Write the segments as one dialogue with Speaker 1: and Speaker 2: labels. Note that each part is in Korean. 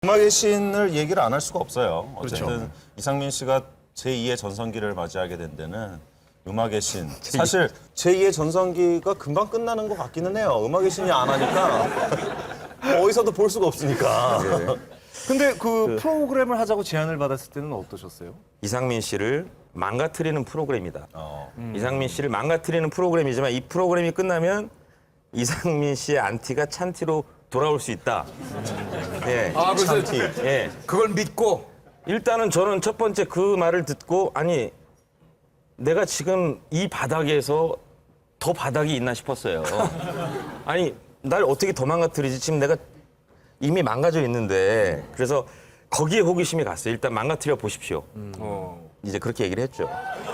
Speaker 1: 음악의 신을 얘기를 안 할 수가 없어요. 어쨌든
Speaker 2: 그렇죠.
Speaker 1: 이상민 씨가 제2의 전성기를 맞이하게 된 데는 음악의 신. 사실 제2의 전성기가 금방 끝나는 것 같기는 해요. 음악의 신이 안 하니까 어디서도 볼 수가 없으니까.
Speaker 2: 근데 그 프로그램을 하자고 제안을 받았을 때는 어떠셨어요?
Speaker 3: 이상민 씨를 망가뜨리는 프로그램이다. 이상민 씨를 망가뜨리는 프로그램이지만 이 프로그램이 끝나면 이상민 씨의 안티가 찬티로 돌아올 수 있다. 예.
Speaker 4: 아, 그래서
Speaker 3: 예.
Speaker 4: 그걸 믿고
Speaker 3: 일단은 저는 첫 번째 그 말을 듣고 아니 내가 지금 이 바닥에서 더 바닥이 있나 싶었어요. 아니 날 어떻게 더 망가뜨리지? 지금 내가 이미 망가져 있는데 그래서 거기에 호기심이 갔어요. 일단 망가뜨려 보십시오. 이제 그렇게 얘기를 했죠.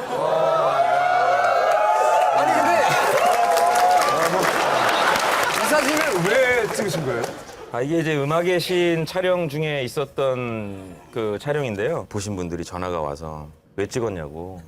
Speaker 4: 아니 근데 이 사진을 왜 찍으신 거예요?
Speaker 3: 아, 이게 이제 음악의 신 촬영 중에 있었던 그 촬영인데요. 보신 분들이 전화가 와서 왜 찍었냐고.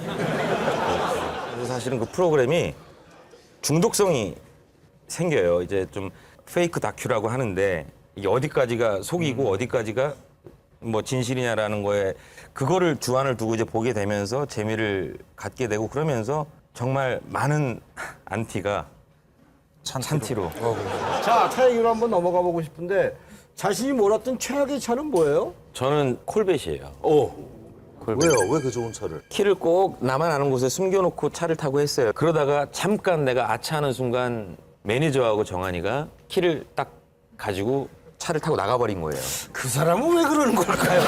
Speaker 3: 그래서 사실은 그 프로그램이 중독성이 생겨요. 이제 좀 페이크 다큐라고 하는데 이게 어디까지가 속이고 어디까지가 뭐 진실이냐라는 거에 그거를 주안을 두고 이제 보게 되면서 재미를 갖게 되고 그러면서 정말 많은 안티가 찬티로.
Speaker 5: 자, 차 얘기로 한번 넘어가 보고 싶은데 자신이 몰았던 최악의 차는 뭐예요?
Speaker 3: 저는 콜벳이에요.
Speaker 1: 왜요? 왜 그 좋은 차를?
Speaker 3: 키를 꼭 나만 아는 곳에 숨겨놓고 차를 타고 했어요. 그러다가 잠깐 내가 아차하는 순간 매니저하고 정한이가 키를 딱 가지고 차를 타고 나가버린 거예요.
Speaker 4: 그 사람은 왜 그러는 걸까요?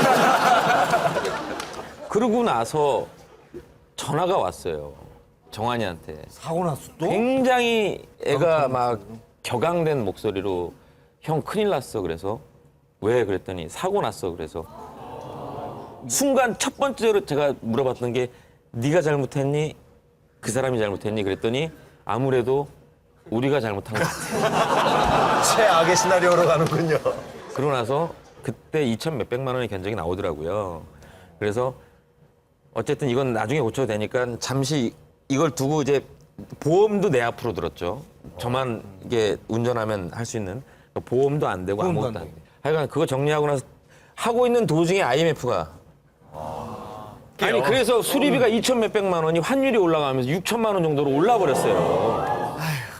Speaker 3: 그러고 나서 전화가 왔어요. 정한이한테.
Speaker 5: 사고 났어 또?
Speaker 3: 굉장히 애가 막 격앙된 목소리로 형 큰일 났어. 그래서 왜? 그랬더니 사고 났어. 그래서 순간 첫 번째로 제가 물어봤던 게 네가 잘못했니? 그 사람이 잘못했니? 그랬더니 아무래도 우리가 잘못한 것 같아.
Speaker 1: 최악의 시나리오로 가는군요.
Speaker 3: 그러고 나서 그때 2천 몇백만 원의 견적이 나오더라고요. 그래서 어쨌든 이건 나중에 고쳐도 되니까 잠시 이걸 두고 이제 보험도 내 앞으로 들었죠. 저만 이게 운전하면 할 수 있는 보험도 안 되고
Speaker 4: 보험도
Speaker 3: 아무것도
Speaker 4: 안
Speaker 3: 안 돼. 하여간 그거 정리하고 나서 하고 있는 도중에 IMF가 아니 그래서 수리비가 2천 몇백만 원이 환율이 올라가면서 6천만 원 정도로 올라버렸어요.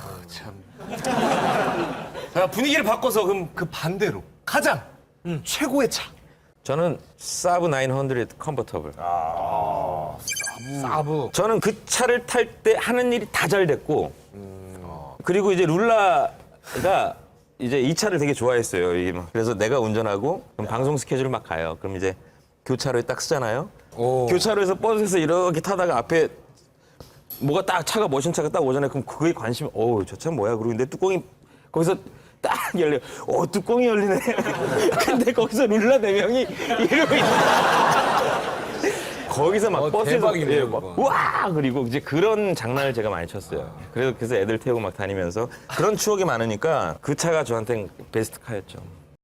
Speaker 2: 자, 분위기를 바꿔서 그럼 그 반대로 가장 최고의 차.
Speaker 3: 저는 사브 900 컨버터블.
Speaker 4: 사브.
Speaker 3: 저는 그 차를 탈 때 하는 일이 다 잘 됐고 그리고 이제 룰라가 이제 이 차를 되게 좋아했어요. 이게 막. 그래서 내가 운전하고 그럼 방송 스케줄 막 가요. 그럼 이제 교차로에 딱 쓰잖아요. 교차로에서 버스에서 이렇게 타다가 앞에 뭐가 딱 차가 머신 차가 딱 오잖아요. 그럼 그거에 관심이 저 차 뭐야? 그러고 근데 뚜껑이 거기서 딱 열려. 뚜껑이 열리네. 근데 거기서 룰라 4명이 이러고 있다. 거기서 막 버스에서
Speaker 4: 대박이네요,
Speaker 3: 막
Speaker 4: 그거.
Speaker 3: 우와 그리고 이제 그런 장난을 제가 많이 쳤어요. 그래서 애들 태우고 막 다니면서 그런 추억이 많으니까 그 차가 저한테는 베스트 카였죠.